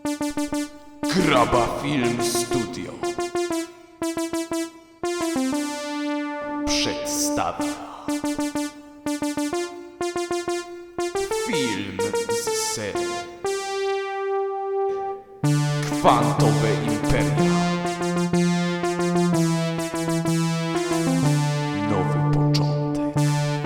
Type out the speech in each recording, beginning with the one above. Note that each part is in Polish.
Graba Film Studio przedstawia film z serii Kwantowe Imperia. Nowy początek.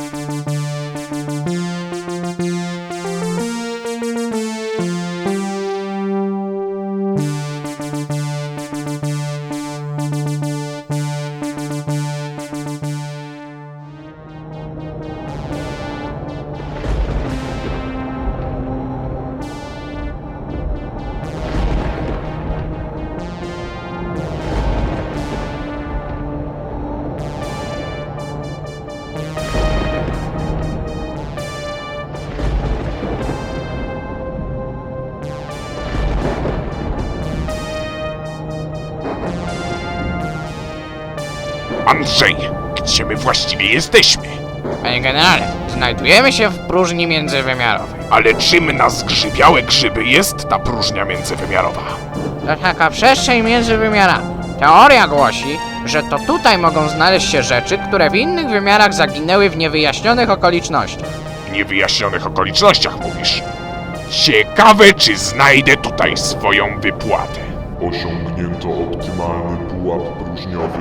Andrzej, gdzie my właściwie jesteśmy? Panie generale, znajdujemy się w próżni międzywymiarowej. Ale czym na zgrzybiałe grzyby jest ta próżnia międzywymiarowa? To taka przestrzeń między wymiarami. Teoria głosi, że to tutaj mogą znaleźć się rzeczy, które w innych wymiarach zaginęły w niewyjaśnionych okolicznościach. W niewyjaśnionych okolicznościach mówisz. Ciekawe, czy znajdę tutaj swoją wypłatę. Osiągnięto optymalny pułap próżniowy.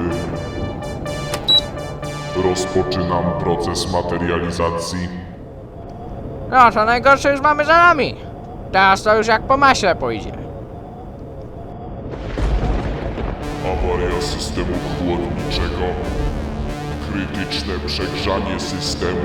Rozpoczynam proces materializacji. No, to najgorsze już mamy za nami. Teraz to już jak po maśle pójdzie. Awaria systemu chłodniczego. Krytyczne przegrzanie systemu.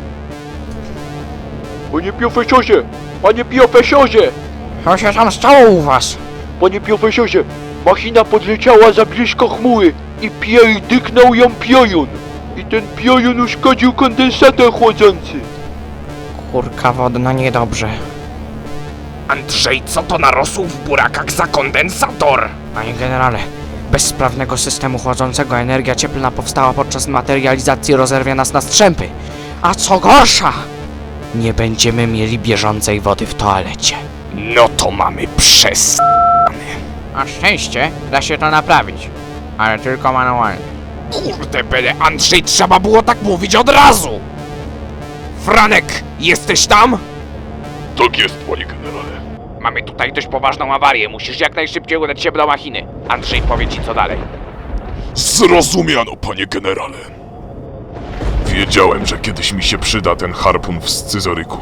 Panie profesorze! Panie profesorze! Co się tam stało u was? Panie profesorze! Machina podleciała za blisko chmury i pierdyknął ją piorun. I ten piorun uszkodził kondensator chłodzący. Kurka wodna niedobrze. Andrzej, co to narosło w burakach za kondensator? Panie generale, bez sprawnego systemu chłodzącego energia cieplna powstała podczas materializacji, rozerwie nas na strzępy. A co gorsza, nie będziemy mieli bieżącej wody w toalecie. No to mamy przez... Na szczęście da się to naprawić, ale tylko manualnie. Kurde bele, Andrzej, trzeba było tak mówić od razu! Franek, jesteś tam? Tak jest, panie generale. Mamy tutaj dość poważną awarię, musisz jak najszybciej udać się do machiny. Andrzej powie ci co dalej. Zrozumiano, panie generale. Wiedziałem, że kiedyś mi się przyda ten harpun w scyzoryku.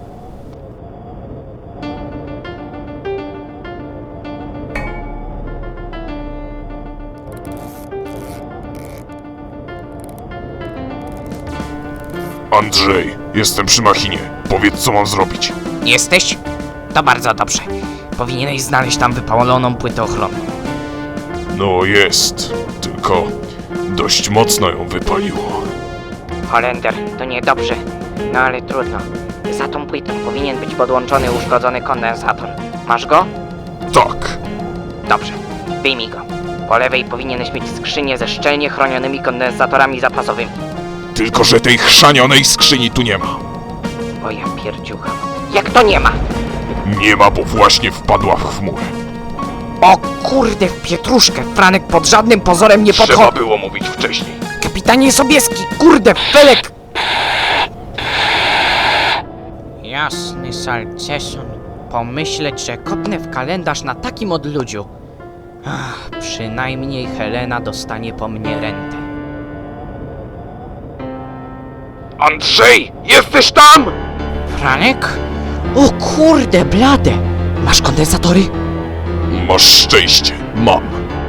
Andrzej, jestem przy machinie. Powiedz, co mam zrobić. Jesteś? To bardzo dobrze. Powinieneś znaleźć tam wypaloną płytę ochronną. No jest, tylko dość mocno ją wypaliło. Holender, to niedobrze. No ale trudno. Za tą płytą powinien być podłączony uszkodzony kondensator. Masz go? Tak. Dobrze. Wyjmij go. Po lewej powinieneś mieć skrzynię ze szczelnie chronionymi kondensatorami zapasowymi. Tylko że tej chrzanionej skrzyni tu nie ma. O ja pierdziucha. Jak to nie ma? Nie ma, bo właśnie wpadła w chmurę. O kurde, w pietruszkę. Franek pod żadnym pozorem nie Trzeba podchodzi. było mówić wcześniej. Kapitanie Sobieski, kurde, Felek! Jasny salceson. Pomyśleć, że kopnę w kalendarz na takim odludziu. Ach, przynajmniej Helena dostanie po mnie rentę. Andrzej, jesteś tam? Franek? O kurde, blade! Masz kondensatory? Masz szczęście. Mam.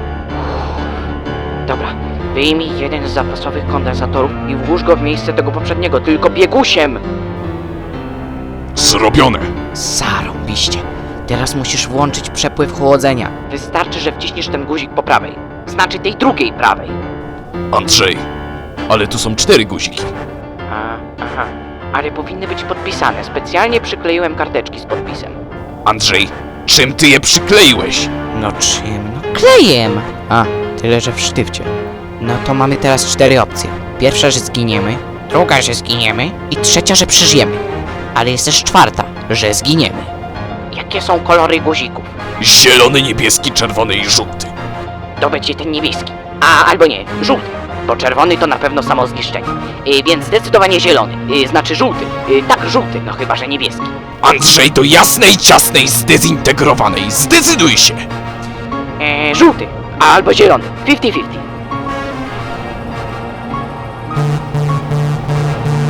Dobra, wyjmij jeden z zapasowych kondensatorów i włóż go w miejsce tego poprzedniego, tylko biegusiem! Zrobione. Zarąbiście. Teraz musisz włączyć przepływ chłodzenia. Wystarczy, że wciśniesz ten guzik po prawej. Znaczy tej drugiej prawej. Andrzej, ale tu są 4 guziki. Aha. Ale powinny być podpisane. Specjalnie przykleiłem karteczki z podpisem. Andrzej, czym ty je przykleiłeś? No czym? No klejem! A, tyle że w sztywcie. No to mamy teraz 4 opcje. Pierwsza, że zginiemy. Druga, że zginiemy. I trzecia, że przeżyjemy. Ale jest też czwarta, że zginiemy. Jakie są kolory guzików? Zielony, niebieski, czerwony i żółty. To będzie ten niebieski. Albo nie, żółty. Bo czerwony to na pewno samo zniszczenie. Więc zdecydowanie zielony. Znaczy żółty. Tak, żółty, no chyba, że niebieski. Andrzej, do jasnej, ciasnej, zdezintegrowanej. Zdecyduj się! Żółty. Albo zielony. 50-50.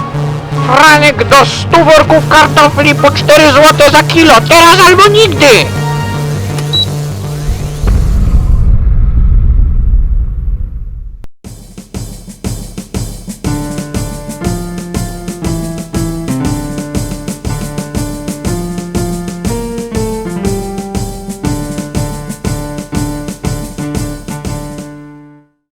Franek, do 100 worków kartofli po 4 zł za kilo. Teraz albo nigdy!